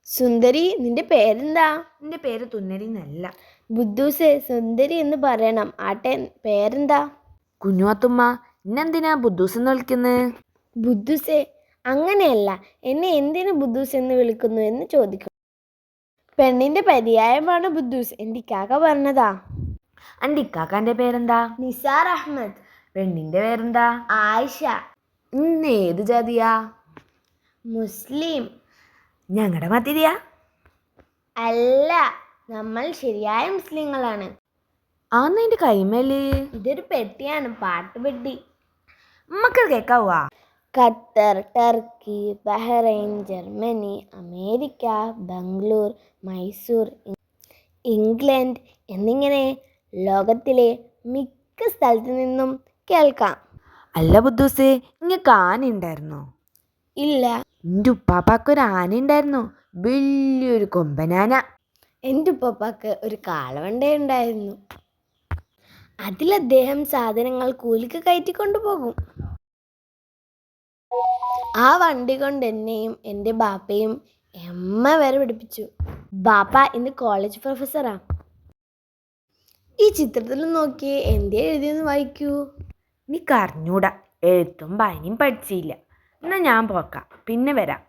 സുന്ദരി, നിന്റെ പേരെന്താ? എൻ്റെ പേര് തുന്നരി എന്നല്ല. ബുദ്ധൂസേ, സുന്ദരി എന്ന് പറയണം. ആട്ടെ, പേരെന്താ? കുഞ്ഞുവാത്തുമ്മ, ഇന്നെന്തിനാ ബുദ്ധൂസ് എന്ന് വിളിക്കുന്നത്? ബുദ്ധൂസേ, അങ്ങനെയല്ല. എന്നെ എന്തിനു ബുദ്ധൂസ് എന്ന് വിളിക്കുന്നു എന്ന് ചോദിക്കും. പെണ്ണിന്റെ പര്യായമാണ് ബുദ്ധൂസ്. എൻ്റെ ഇക്കാക്ക പറഞ്ഞതാ. എൻ്റെ ഇക്കാക്കാൻ്റെ പേരെന്താ? നിസാർ അഹമ്മദ്. പെണ്ണിൻ്റെ പേരെന്താ? ആയിഷ. ഇന്ന് ഏത് ജാതിയാ? മുസ്ലിം. ഞങ്ങളുടെ മതിരിയാ? അല്ല, നമ്മൾ ശരിയായ മുസ്ലിങ്ങളാണ്. ആന്ന് എൻ്റെ കൈമേല് ഇതൊരു പെട്ടിയാണ്, പാട്ടുപെട്ടി. നമ്മക്കത് കേൾക്കാവുക? Qatar, Turkey, Bahrain, Germany, America, Bangalore, Mysore, England എന്നിങ്ങനെ ലോകത്തിലെ മിക്ക സ്ഥലത്തു നിന്നും കേൾക്കാം. അല്ല ബുദ്ധൂസേ, ഇങ്ങക്ക് ആന ഉണ്ടായിരുന്നോ? ഇല്ല. എൻ്റെ ഉപ്പാപ്പാക്കൊരു ആന ഉണ്ടായിരുന്നു, വലിയൊരു കൊമ്പനാന. എൻ്റെ ഉപ്പാപ്പാക്ക് ഒരു കാളവണ്ട ഉണ്ടായിരുന്നു. അതിൽ അദ്ദേഹം സാധനങ്ങൾ കൂലിക്ക് കയറ്റിക്കൊണ്ടു പോകും. ആ വണ്ടി കൊണ്ട് എന്നെയും എൻ്റെ ബാപ്പയും വരെ പഠിപ്പിച്ചു. ബാപ്പ ഇന്ന് കോളേജ് പ്രൊഫസറാ. ഈ ചിത്രത്തിൽ നോക്കി എന്തേ എഴുതിയെന്ന് വായിക്കൂ. നീ കറിഞ്ഞൂടാ, എഴുത്തും വായനയും പഠിച്ചില്ല. എന്നാൽ ഞാൻ പോക്കാം, പിന്നെ വരാം.